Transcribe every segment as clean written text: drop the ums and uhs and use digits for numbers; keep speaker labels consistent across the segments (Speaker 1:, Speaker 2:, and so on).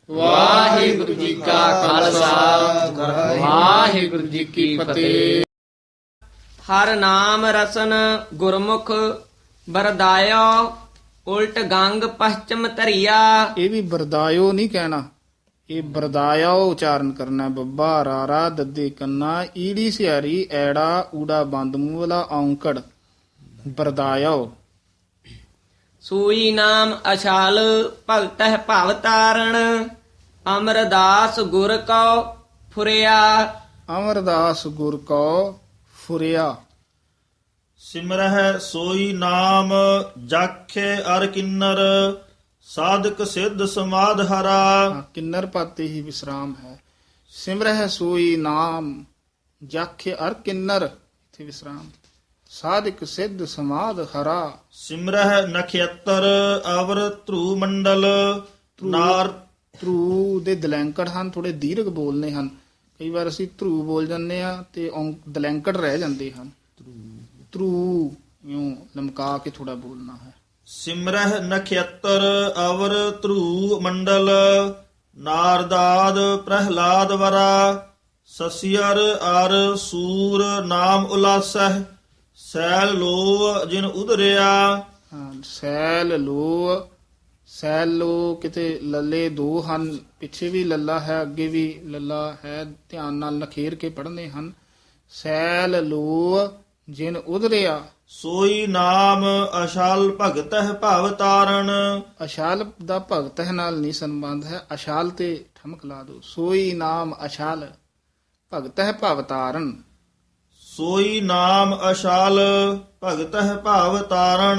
Speaker 1: ਵਾਹਿਗੁਰੂ ਜੀ ਕਾ ਖਾਲਸਾ ਵਾਹਿਗੁਰੂ ਜੀ ਕੀ ਫਤਿਹ।
Speaker 2: ਹਰ ਨਾਮ ਰਸਨ ਗੁਰਮੁਖ ਬਰਦਾਇਓ ਉਲਟ ਗੰਗ ਪਛਮ ਧਰਿਆ।
Speaker 1: ਇਹ ਵੀ ਬਰਦਾਇਓ ਨਹੀਂ ਕਹਿਣਾ, ਇਹ ਬਰਦਾਇਓ ਉਚਾਰਨ ਕਰਨਾ। ਬੱਬਾ ਰਾਰਾ ਦੱਦੇ ਕੰਨਾ ਈੜੀ ਸਿਆਰੀ ਐੜਾ ਊੜਾ ਬੰਦ ਮੂੰਹ ਵਾਲਾ ਔਂਕੜ ਬਰਦਾਇਓ।
Speaker 2: ਸੂਈ ਨਾਮ ਅਛਾਲ ਭਗਤਹਿ ਭਵ ਤਾਰਣ ਅਮਰਦਾਸ ਗੁਰ ਕਉ ਫੁਰਿਆ।
Speaker 1: ਅਮਰਦਾਸ ਗੁਰ ਕੋ ਫੁਰਿਆ।
Speaker 3: ਸਿਮਰਹਿ ਸੋਈ ਨਾਮ ਜਾਖੇ ਅਰ ਕਿੰਨਰ ਸਾਧਕ ਸਿੱਧ ਸਮਾਧ ਹਰਾ।
Speaker 1: ਕਿੰਨਰ ਪਾਤੇ ਹੀ ਵਿਸਰਾਮ ਹੈ। ਸਿਮਰਹਿ ਸੋਈ ਨਾਮ ਜਾਖੇ ਅਰ ਕਿੰਨਰ, ਇੱਥੇ ਵਿਸਰਾਮ। ਸਾਧਕ ਸਿੱਧ ਸਮਾਧ ਹਰਾ।
Speaker 3: ਸਿਮਰਹਿ ਨਖੇਤਰ ਅਵਰ ਧਰੂ ਮੰਡਲ ਨਾਰ।
Speaker 1: ਧਰੂ ਦੇ ਦਲੈਂਕੜ ਹਨ, ਥੋੜੇ ਦੀਰਘ ਬੋਲਨੇ ਹਨ। ਕਈ ਵਾਰ ਅਸੀਂ ਧਰੂ ਬੋਲ ਜਾਂਦੇ ਆ ਤੇ ਦਲੈਂਕੜ ਰਹਿ ਜਾਂਦੇ ਹਨ। ਧਰੂ ਇਉਂ ਲਮਕਾ ਕੇ ਥੋੜਾ ਬੋਲਣਾ ਹੈ।
Speaker 3: ਸਿਮਰਹਿ ਨਖੇਤਰ ਅਵਰ ਧਰੂ ਮੰਡਲ ਨਾਰਦਾਦ ਪ੍ਰਹਿਲਾਦ ਵਰਾ। ਸਸਿਅਰ ਅਰ ਸੂਰ ਨਾਮ ਉਲਾਸਹਿ ਸੈਲ ਲੋ ਜਿਨ ਉਧਰਿਆ।
Speaker 1: ਸੈਲ ਲੋ, ਸੈਲ ਲੋ ਕਿਤੇ ਲੱਲੇ ਦੋ ਹਨ, ਪਿੱਛੇ ਵੀ ਲੱਲਾ ਹੈ ਅੱਗੇ ਵੀ ਲੱਲਾ ਹੈ, ਧਿਆਨ ਨਾਲ ਨਖੇਰ ਕੇ ਪੜ੍ਹਨੇ ਹਨ। ਸੈਲ ਲੋ ਜਿਨ ਉਧਰਿਆ।
Speaker 3: ਸੋਈ ਨਾਮ ਅਸ਼ਾਲ ਭਗਤਹਿ ਭਵ ਤਾਰਨ।
Speaker 1: ਅਸ਼ਾਲ ਦਾ ਭਗਤ ਹੈ ਨਾਲ ਨਹੀਂ ਸੰਬੰਧ ਹੈ, ਅਸ਼ਾਲ ਤੇ ਠਮਕ ਲਾ ਦੋ। ਸੋਈ ਨਾਮ ਅਸ਼ਾਲ ਭਗਤ ਹੈ ਭਵ ਤਾਰਨ।
Speaker 3: ਸੋਈ ਨਾਮ ਅਸ਼ਾਲ ਭਗਤਹਿ ਭਵ ਤਾਰਨ।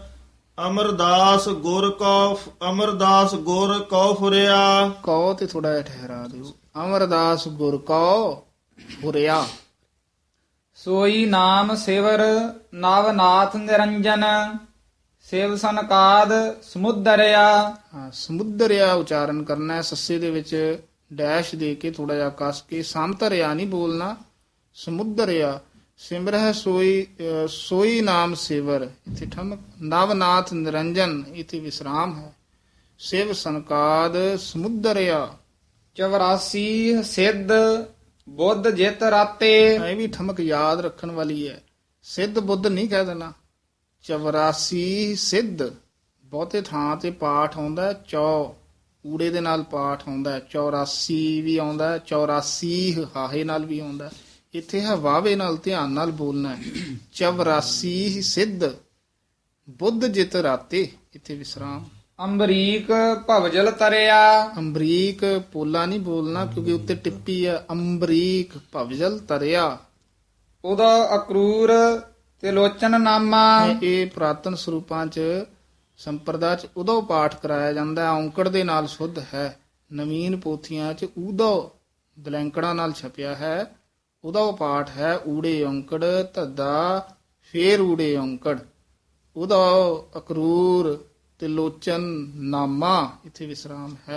Speaker 3: ਅਮਰਦਾਸ ਗੁਰ ਕਉ ਫੁਰਿਆ।
Speaker 1: ਕਉ ਤੇ ਥੋੜਾ ਜਿਹਾ ਠਹਿਰਾ ਦਿਓ। ਅਮਰਦਾਸ ਗੁਰ ਕਉ ਫੁਰਿਆ।
Speaker 4: ਸੋਈ ਨਾਮ ਸਿਵਰ ਨਵਨਾਥ ਨਿਰੰਜਨ ਸਿਵ ਸਨਕਾਦ ਸਮੁਦਰਿਆ।
Speaker 1: ਸਮੁਦਰਿਆ ਉਚਾਰਨ ਕਰਨਾ ਹੈ। ਸੱਸੇ ਦੇ ਵਿੱਚ ਡੈਸ਼ ਦੇ ਕੇ ਥੋੜਾ ਜਿਹਾ ਕੱਸ ਕੇ, ਸਮਤਰਿਆ ਨਹੀਂ ਬੋਲਣਾ, ਸਮੁਦਰਿਆ। ਸਿਮਰਹਿ ਸੋਈ ਨਾਮ ਸਿਵਰ, ਇੱਥੇ ਠਮਕ। ਨਵਨਾਥ ਨਿਰੰਜਨ, ਇੱਥੇ ਵਿਸਰਾਮ ਹੈ। ਸਿਵ ਸਨਕਾਦ ਸਮੁਦਰਿਆ।
Speaker 4: 84 ਸਿੱਧ ਬੁੱਧ ਜਿਤ ਰਾਤੇ।
Speaker 1: ਇਹ ਵੀ ਠਮਕ ਯਾਦ ਰੱਖਣ ਵਾਲੀ ਹੈ। ਸਿੱਧ ਬੁੱਧ ਨਹੀਂ ਕਹਿ ਦੇਣਾ। 84 ਸਿੱਧ, ਬਹੁਤੇ ਥਾਂ ਤੇ ਪਾਠ ਆਉਂਦਾ ਹੈ ਚੌ, ਊੜੇ ਦੇ ਨਾਲ ਪਾਠ ਆਉਂਦਾ ਹੈ। 84 ਵੀ ਆਉਂਦਾ ਹੈ, 84 ਹਾਹੇ ਨਾਲ ਵੀ ਆਉਂਦਾ ਹੈ। ਇੱਥੇ ਹੈ ਵਾਵੇ ਨਾਲ, ਧਿਆਨ ਨਾਲ ਬੋਲਣਾ ਹੈ। 84 ਸਿੱਧ ਬੁੱਧ ਜਿਤ ਰਾਤੇ, ਇੱਥੇ ਵਿਸਰਾਮ।
Speaker 4: ਅੰਬਰੀਕ ਭਵਜਲ ਤਰਿਆ।
Speaker 1: ਅੰਬਰੀਕ ਪੋਲਾ ਨਹੀਂ ਬੋਲਣਾ ਕਿਉਂਕਿ ਉੱਤੇ ਟਿੱਪੀ ਹੈ। ਅੰਬਰੀਕ ਭਵਜਲ ਤਰਿਆ।
Speaker 4: ਉਦਾ ਅਕਰੂਰ ਤੇ ਲੋਚਨ ਨਾਮਾ।
Speaker 1: ਇਹ ਪੁਰਾਤਨ ਸਰੂਪਾਂ ਚ ਸੰਪਰਦਾ ਚ ਉਦੋਂ ਪਾਠ ਕਰਾਇਆ ਜਾਂਦਾ ਹੈ, ਔਂਕੜ ਦੇ ਨਾਲ ਸੁੱਧ ਹੈ। ਨਵੀਨ ਪੋਥੀਆਂ ਚ ਉਦੋਂ ਦਲੈਂਕੜਾਂ ਨਾਲ ਛਪਿਆ ਹੈ। ਉਦੋਂ ਪਾਠ ਹੈ ਊੜੇ ਔਂਕੜ ਧੱਦਾ ਫੇਰ ਊੜੇ ਔਂਕੜ। ਉਦੋਂ ਅਕਰੂਰ ਤੇ ਲੋਚਨ ਨਾਮਾ, ਇੱਥੇ ਵਿਸਰਾਮ ਹੈ।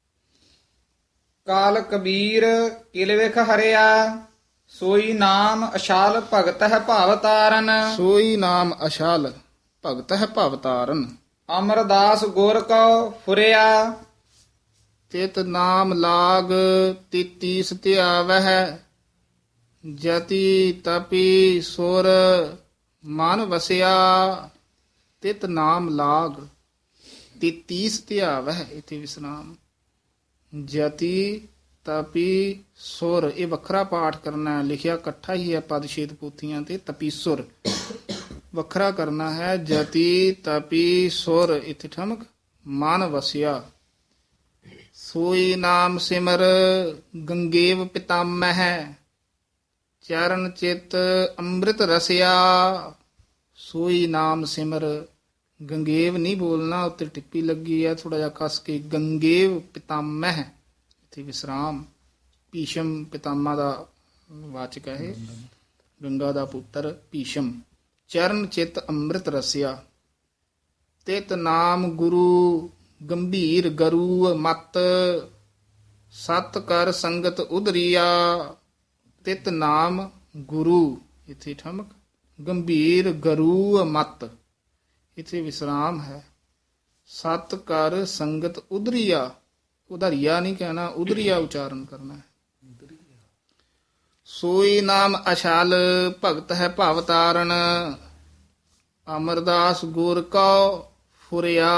Speaker 4: ਕਾਲ ਕਬੀਰ ਕਿਲ ਵਿਖ ਹਰਿਆ ਸੋਈ ਨਾਮ ਅਸ਼ਾਲ ਭਗਤ ਹੈ ਭਾਵ ਤਾਰਨ।
Speaker 1: ਸੋਈ ਨਾਮ ਅਸ਼ਾਲ ਭਗਤ ਹੈ ਭਵ ਤਾਰਨ।
Speaker 4: ਅਮਰਦਾਸ ਗੁਰ ਕਉ ਫੁਰਿਆ।
Speaker 1: ਤਿਤ ਨਾਮ ਲਾਗ 33 ਧਿਆਵਹਿ ਜਤੀ ਤਪੀ ਸੁਰ ਮਨ ਵਸਿਆ। ਤਿਤ ਨਾਮ ਲਾਗ 33 ਧਿਆਵਹਿ, ਇੱਥੇ ਵਿਸਰਾਮ। ਜਤੀ ਤਪੀ ਸੁਰ, ਇਹ ਵੱਖਰਾ ਪਾਠ ਕਰਨਾ ਹੈ। ਲਿਖਿਆ ਇਕੱਠਾ ਹੀ ਹੈ ਪਦਛੇਦ ਪੋਥੀਆਂ ਤੇ। ਤਪੀਸੁਰ ਵੱਖਰਾ ਕਰਨਾ ਹੈ। ਜਤੀ ਤਪੀ ਸੁਰ, ਇੱਥੇ ਠਮਕ। ਮਨ ਵਸਿਆ। ਸੋਈ ਨਾਮ ਸਿਮਰ ਗੰਗੇਵ ਪਿਤਾਮਹਿ ਚਰਨ ਚਿਤ ਅੰਮ੍ਰਿਤ ਰਸਿਆ। ਸੋਈ ਨਾਮ ਸਿਮਰ, ਗੰਗੇਵ ਨਹੀਂ ਬੋਲਣਾ, ਉੱਤੇ ਟਿੱਪੀ ਲੱਗੀ ਹੈ, ਥੋੜਾ ਜਿਹਾ ਕੱਸ ਕੇ। ਗੰਗੇਵ ਪਿਤਾਮਹਿ, ਇੱਥੇ ਵਿਸਰਾਮ। ਭੀਸ਼ਮ ਪਿਤਾਮਾ ਦਾ ਵਾਚਕ ਹੈ। ਗੰਗਾ ਦਾ ਪੁੱਤਰ ਭੀਸ਼ਮ। ਚਰਨ ਚਿਤ ਅੰਮ੍ਰਿਤ ਰਸਿਆ। ਤਿਤ ਨਾਮ ਗੁਰੂ ਗੰਭੀਰ ਗਰੂ ਮਤ ਸਤ ਕਰ ਸੰਗਤ ਉਧਰੀਆ। ਤਿਤ ਨਾਮ ਗੁਰੂ, ਇੱਥੇ ਠਮਕ। ਗੰਭੀਰ ਗਰੂ ਮਤ, ਇੱਥੇ ਵਿਸਰਾਮ ਹੈ। ਸਤ ਕਰ ਸੰਗਤ ਉਧਰੀਆ। ਉਧਰੀਆ ਨਹੀਂ ਕਹਿਣਾ, ਉਧਰੀਆ ਉਚਾਰਨ ਕਰਨਾ ਹੈ। ਸੋਈ ਨਾਮ ਅਛਲ ਭਗਤ ਹੈ ਭਵ ਤਾਰਨ, ਅਮਰਦਾਸ ਗੁਰ ਕਉ ਫੁਰਿਆ।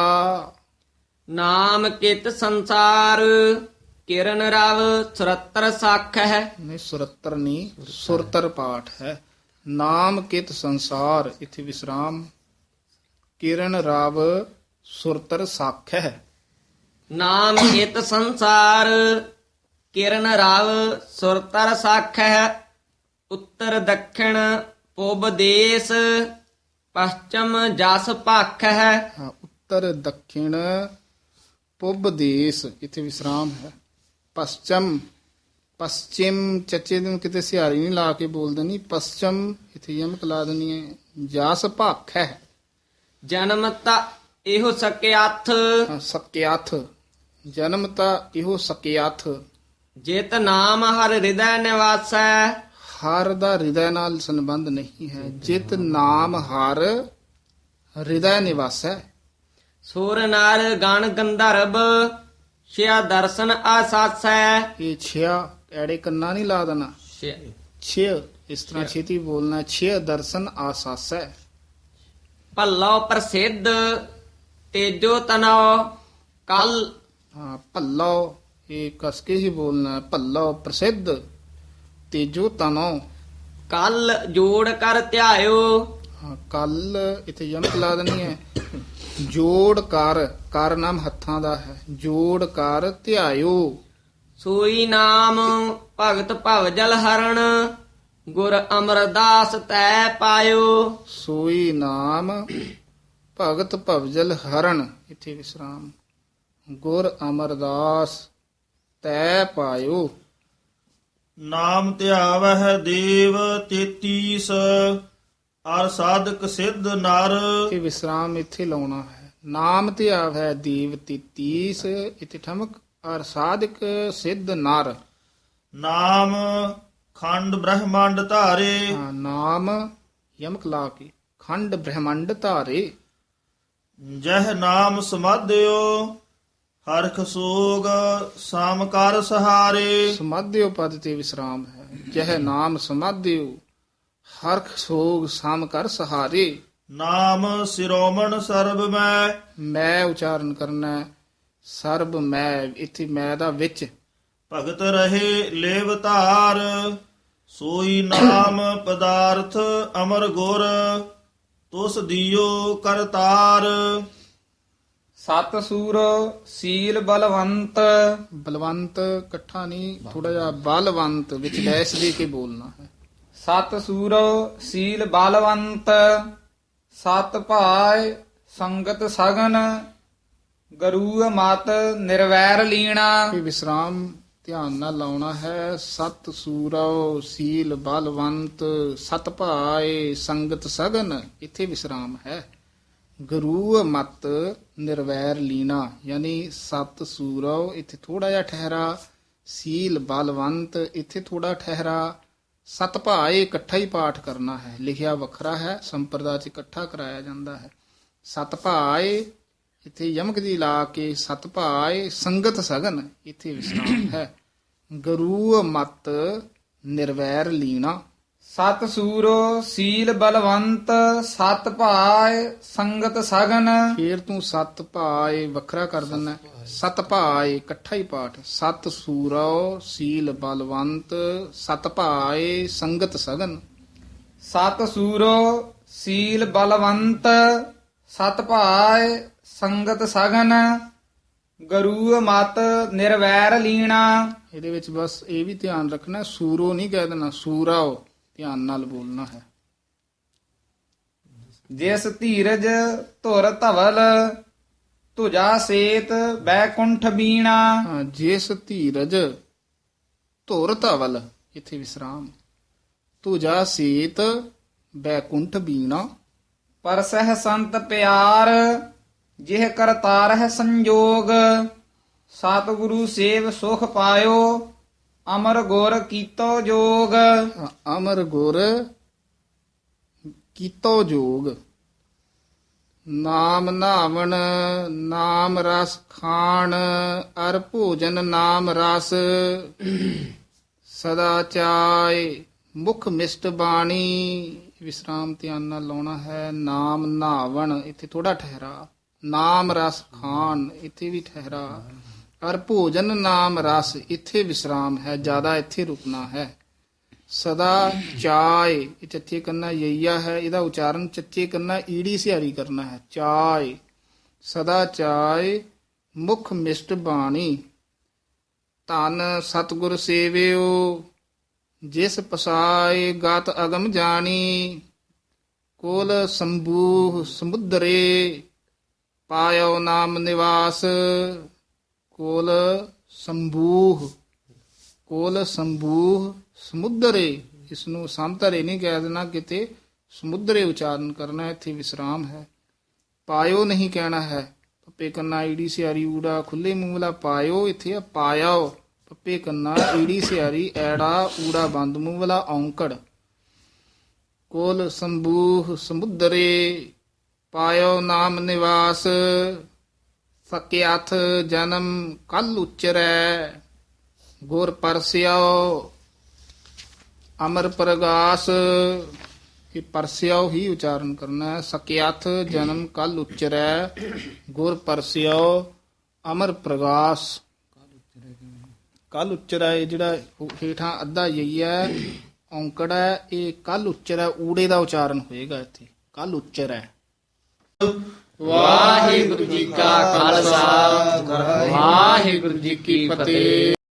Speaker 2: ਨਾਮ ਕਿਤ ਸੰਸਾਰ ਕਿਰਨ ਰਵ ਸੁਰਤਰ ਸਾਖ ਹੈ।
Speaker 1: ਨਹੀਂ, ਸੁਰਤਰ ਨਹੀਂ, ਸੁਰਤਰ ਪਾਠ ਹੈ। ਨਾਮ ਕਿਤ ਸੰਸਾਰ, ਇੱਥੇ ਵਿਸਰਾਮ। ਕਿਰਨ ਰਾਵ ਸੁਰਤਰ ਸਾਖ ਹੈ।
Speaker 2: ਨਾਮ ਕਿਤ ਸੰਸਾਰ ਕਿਰਨ ਰਵ ਸੁਰਤਰ ਸਾਖ ਹੈ। ਉੱਤਰ ਦੱਖਣ ਪੂਬ ਦੇਸ ਪਛਮ ਜਸ ਭਖ ਹੈ।
Speaker 1: ਹਾਂ, ਉੱਤਰ ਦੱਖਿਣ ਪੂਬ ਦੇਸ, ਇੱਥੇ ਵਿਸਰਾਮ ਹੈ। ਪশ্ਚਮ, ਪশ্ਚਿਮ ਚੱਚੇ ਨੂੰ ਕਿਤੇ ਸਿਹਾਰੀ ਨਹੀਂ ਲਾ ਕੇ ਬੋਲ ਦੇਣੀ, ਪশ্ਚਮ ਇੱਥੇ ਯਮਕ ਲਾ ਦੇਣੀ ਹੈ। ਜਸ ਭਖ ਹੈ।
Speaker 2: ਜਨਮ ਤਾ ਇਹੋ ਸਕਿਆਥ
Speaker 1: ਹਾਂ, ਸਕਿਆਥ, ਜਨਮ ਤਾਂ ਇਹੋ ਸਕਿਆਥ।
Speaker 2: ਜਿਤ ਨਾਮ ਹਰ ਹਿਰਦੈ ਨਿਵਾਸੈ।
Speaker 1: ਹਰ ਦਾ ਹਿਰਦੈ ਨਾਲ ਸੰਬੰਧ ਨਹੀਂ ਹੈ। ਜਿਤ ਨਾਮ ਹਰ ਹਿਰਦੈ ਨਿਵਾਸੈ।
Speaker 2: ਸੁਰ ਨਰ ਗਣ ਗੰਧਰਵ ਛਿਆ ਦਰਸ਼ਨ ਆਸਾਸੈ।
Speaker 1: ਇਹ ਛਿਆ ਐੜੇ ਕੰਨਾ ਨਹੀਂ ਲਾ ਦੇਣਾ, ਛੇ ਇਸ ਤਰ੍ਹਾਂ ਛੇਤੀ ਬੋਲਣਾ। ਛੇ ਦਰਸ਼ਨ ਆਸਾਸੈ।
Speaker 2: ਭੱਲੋ ਪ੍ਰਸਿੱਧ ਤੇਜੋ ਤਨੋ ਕਲ।
Speaker 1: ਹਾਂ, ਭੱਲੋ ਇਹ ਕਸ ਕੇ ਹੀ ਬੋਲਣਾ। ਭੱਲੋ ਪ੍ਰਸਿੱਧ ਤੇਜੋ ਤਨੋ।
Speaker 2: ਕਲ ਜੋੜ ਕਰ ਧਿਆਇਓ।
Speaker 1: ਹਾਂ, ਕੱਲ ਇੱਥੇ ਯਮਕ ਲਾ ਦੇਣੀ ਹੈ। ਜੋੜ ਕਰ, ਕਰ ਨਾਮ ਹੱਥਾਂ ਦਾ ਹੈ। ਜੋੜ ਕਰ ਧਿਆਇਓ।
Speaker 2: ਸੋਈ ਨਾਮ ਭਗਤ ਭਵ ਜਲ ਹਰਣ ਗੁਰ ਅਮਰਦਾਸ ਤੈ ਪਾਇਓ।
Speaker 1: ਸੋਈ ਨਾਮ ਭਗਤ ਭਵਜਲ ਹਰਨ, ਇੱਥੇ ਵਿਸਰਾਮ। ਗੁਰ ਅਮਰਦਾਸ ਤੈ ਪਾਇਓ।
Speaker 3: ਨਾਮ ਧਿਆਵਹਿ ਦੇਵ 33 ਅਰ ਸਾਧਕ ਸਿੱਧ ਨਰ।
Speaker 1: ਇਹ ਵਿਸਰਾਮ ਇੱਥੇ ਲਾਉਣਾ ਹੈ। ਨਾਮ ਧਿਆਵ ਹੈ ਦੇਵ 33, ਇੱਥੇ ਠਮਕ। ਅਰ ਸਾਧਕ ਸਿੱਧ ਨਰ।
Speaker 3: ਨਾਮ ਖੰਡ ਬ੍ਰਹਮੰਡ ਧਾਰੇ।
Speaker 1: ਹਾਂ, ਨਾਮ ਯਮਕ ਲਾ ਕੇ ਖੰਡ ਬ੍ਰਹਮੰਡ ਧਾਰੇ।
Speaker 3: ਜਹ ਨਾਮ ਸਮਾਧਿਓ ਹਰਖ ਸੋਗ ਸਾਮ ਕਰ ਸਹਾਰੇ।
Speaker 1: ਸਮਾਧਿਓ ਪਦ ਤੇ ਵਿਸਰਾਮ ਹੈ। ਜਹ ਨਾਮ ਸਮਾਧਿਓ ਹਰਖ ਸੋਗ ਸਾਮ ਕਰ ਸਹਾਰੇ।
Speaker 3: ਨਾਮ ਸਿਰੋਮਣ ਸਰਬ
Speaker 1: ਮੈਂ ਉਚਾਰਨ ਕਰਨਾ ਹੈ। ਸਰਬ ਮੈਂ, ਇੱਥੇ ਮੈਂ ਦਾ ਵਿੱਚ।
Speaker 3: ਭਗਤ ਰਹੇ ਲੇਵ ਧਾਰ ਸੋਈ ਨਾਮ ਪਦਾਰਥ ਅਮਰ ਗੁਰ ਤੁਸ ਦਿਓ ਕਰਤਾਰ।
Speaker 4: ਸਤ ਸੂਰ ਸੀਲ ਬਲਵੰਤ।
Speaker 1: ਬਲਵੰਤ ਇਕੱਠਾ ਨਹੀਂ, ਥੋੜਾ ਜਿਹਾ ਬਲਵੰਤ ਵਿੱਚ ਲੈਸ ਦੇ ਕੇ ਬੋਲਣਾ ਹੈ।
Speaker 4: ਸਤ ਸੂਰ ਸੀਲ ਬਲਵੰਤ ਸਤ ਭਾਇ ਸੰਗਤ ਸਗਨ ਗਰੂ ਮਤ ਨਿਰਵੈਰ ਲੀਣਾ।
Speaker 1: ਇਹ ਵਿਸਰਾਮ ਧਿਆਨ ਨਾਲ ਲਾਉਣਾ ਹੈ। ਸਤ ਸੂਰੋ ਸੀਲ ਬਲਵੰਤ ਸਤ ਭਾਏ ਸੰਗਤ ਸਗਨ, ਇੱਥੇ ਵਿਸਰਾਮ ਹੈ। ਗੁਰੂ ਮਤ ਨਿਰਵੈਰ ਲੀਣਾ, ਯਾਨੀ ਸਤ ਸੂਰੋ ਇੱਥੇ ਥੋੜਾ ਜਿਹਾ ਠਹਿਰਾ। ਸੀਲ ਬਲਵੰਤ ਇੱਥੇ ਥੋੜਾ ਠਹਿਰਾ। ਸਤ ਭਾਏ ਇਕੱਠਾ ਹੀ ਪਾਠ ਕਰਨਾ ਹੈ। ਲਿਖਿਆ ਵੱਖਰਾ ਹੈ, ਸੰਪਰਦਾ ਚ ਇਕੱਠਾ ਕਰਾਇਆ ਜਾਂਦਾ ਹੈ। ਸਤ ਭਾਏ ਇੱਥੇ ਯਮਕ ਦੀ ਲਾ ਕੇ ਸਤ ਭਾਏ ਸੰਗਤ ਸਗਨ, ਇੱਥੇ ਵਿਸਰਾਮ ਹੈ। ਗੁਰੂ ਮਤ ਨਿਰਵੈਰ ਲੀਣਾ।
Speaker 4: ਸਤ ਸੂਰੋ ਸੀਲ ਬਲਵੰਤ ਸਤ ਭਾਇ ਸੰਗਤ ਸਗਨ।
Speaker 1: ਫੇਰ ਤੂੰ ਸਤ ਭਾਏ ਵੱਖਰਾ ਕਰ ਦਿੰਦਾ। ਸਤ ਭਾਏ ਇਕੱਠਾ ਹੀ ਪਾਠ। ਸਤ ਸੂਰੋ ਸੀਲ ਬਲਵੰਤ ਸਤ ਭਾਏ ਸੰਗਤ ਸਗਨ।
Speaker 4: ਸਤ ਸੂਰੋ ਸੀਲ ਬਲਵੰਤ ਸਤ ਭਾਇ ਸੰਗਤ ਸਗਨ ਗੁਰੂ ਮਤ ਨਿਰਵੈਰ ਲੀਣਾ।
Speaker 1: ਇਹਦੇ ਵਿੱਚ ਬਸ ਇਹ ਵੀ ਧਿਆਨ ਰੱਖਣਾ, ਸੂਰੋ ਨਹੀਂ ਕਹਿ ਦੇਣਾ, ਸੂਰਾਓ ਧਿਆਨ ਨਾਲ ਬੋਲਣਾ ਹੈ।
Speaker 4: ਜਿਸ ਧੀਰਜ ਧੁਰ ਧਵਲ ਤੁਜਾ ਸੇਤ ਬੈਕੁੰਠ ਬੀਣਾ।
Speaker 1: ਹਾਂ, ਜਿਸ ਧੀਰਜ ਧੁਰ ਧਵਲ, ਇੱਥੇ ਵਿਸਰਾਮ। ਤੁਜਾ ਸੀਤ ਬੈਕੁੰਠ ਬੀਣਾ।
Speaker 4: ਪਰਸਹਿ ਸੰਤ ਪਿਆਰ ਜਿਹ ਕਰਤਾਰ ਹੈ ਸੰਜੋਗ। ਸਤਿਗੁਰੂ ਸੇਵ ਸੁਖ ਪਾਇਓ ਅਮਰ ਗੁਰ ਕੀਤੋ ਜੋਗ।
Speaker 1: ਅਮਰ ਗੁਰ ਕੀਤੋ ਜੋਗ। ਨਾਮ ਨਾਵਣ ਨਾਮ ਰਸ ਖਾਣ ਅਰ ਭੋਜਨ ਨਾਮ ਰਸ ਸਦਾ ਚਾਇ ਮੁਖ ਮਿਸ਼ਟ ਬਾਣੀ। ਵਿਸਰਾਮ ਧਿਆਨ ਨਾਲ ਲਾਉਣਾ ਹੈ। ਨਾਮ ਨਾਵਣ ਇੱਥੇ ਥੋੜਾ ਠਹਿਰਾ, ਨਾਮ ਰਸ ਖਾਣ ਇੱਥੇ ਵੀ ਠਹਿਰਾ, ਅਰ ਭੋਜਨ ਨਾਮ ਰਸ ਇੱਥੇ ਵਿਸਰਾਮ ਹੈ, ਜ਼ਿਆਦਾ ਇੱਥੇ ਰੁਕਣਾ ਹੈ। ਸਦਾ ਚਾਇ ਇਹ ਚੱਚੇ ਕੰਨਾ ਯਈਆ ਹੈ, ਇਹਦਾ ਉਚਾਰਨ ਚੱਚੇ ਕੰਨਾ ਈੜੀ ਸਿਹਾਰੀ ਕਰਨਾ ਹੈ। ਚਾਇ ਸਦਾ ਚਾਇ ਮੁਖ ਮਿਸ਼ਟ ਬਾਣੀ। ਧਨ ਸਤਿਗੁਰ ਸੇਵਿਓ ਜਿਸ ਪਸਾਏ ਗਤ ਅਗਮ ਜਾਣੀ। ਕੋਲ ਸੰਬੂਹ ਸਮੁੰਦਰੇ ਪਾਇਓ ਨਾਮ ਨਿਵਾਸ। ਕੋਲ ਸੰਬੂਹ, ਕੋਲ ਸੰਬੂਹ ਸਮੁੰਦਰੇ, ਇਸ ਨੂੰ ਸੰਤਰੇ ਨਹੀਂ ਕਹਿ ਦੇਣਾ, ਕਿਤੇ ਸਮੁੰਦਰੇ ਉਚਾਰਨ ਕਰਨਾ, ਇੱਥੇ ਵਿਸਰਾਮ ਹੈ। ਪਾਇਓ ਨਹੀਂ ਕਹਿਣਾ ਹੈ, ਪੱਪੇ ਕੰਨਾ ਈੜੀ ਸਿਆਰੀ ਊੜਾ ਖੁੱਲੇ ਮੂੰਹ ਵਾਲਾ ਪਾਇਓ, ਇੱਥੇ ਆ ਪਾਇਓ, ਪੱਪੇ ਕੰਨਾ ਈੜੀ ਸਿਆਰੀ ਐੜਾ ਊੜਾ ਬੰਦ ਮੂੰਹ ਵਾਲਾ ਔਂਕੜ। ਕੋਲ ਸੰਬੂਹ ਸਮੁੰਦਰੇ ਪਾਇਓ ਨਾਮ ਨਿਵਾਸ। ਸਕਿਆਥ ਜਨਮ ਕੱਲ ਉਚਰੈ ਗੁਰ ਪਰਸਿਓ ਅਮਰ ਪ੍ਰਗਾਸ। ਇਹ ਪਰਸਿਓ ਹੀ ਉਚਾਰਨ ਕਰਨਾ ਹੈ। ਸਕਿਆਥ ਜਨਮ ਕੱਲ ਉਚਰੈ ਗੁਰ ਪਰਸਿਓ ਅਮਰ ਪ੍ਰਗਾਸ। ਕੱਲ ਉਚਰੈ ਜਿਹੜਾ ਹੇਠਾਂ ਅੱਧਾ ਯਈ ਹੈ ਔਂਕੜ ਹੈ, ਇਹ ਕੱਲ ਉਚਰੈ ਊੜੇ ਦਾ ਉਚਾਰਨ ਹੋਏਗਾ ਇੱਥੇ, ਕੱਲ ਉਚਰੈ।
Speaker 2: ਵਾਹਿਗੁਰੂ ਜੀ ਕਾ ਖਾਲਸਾ ਵਾਹਿਗੁਰੂ ਜੀ ਕੀ ਫਤਿਹ।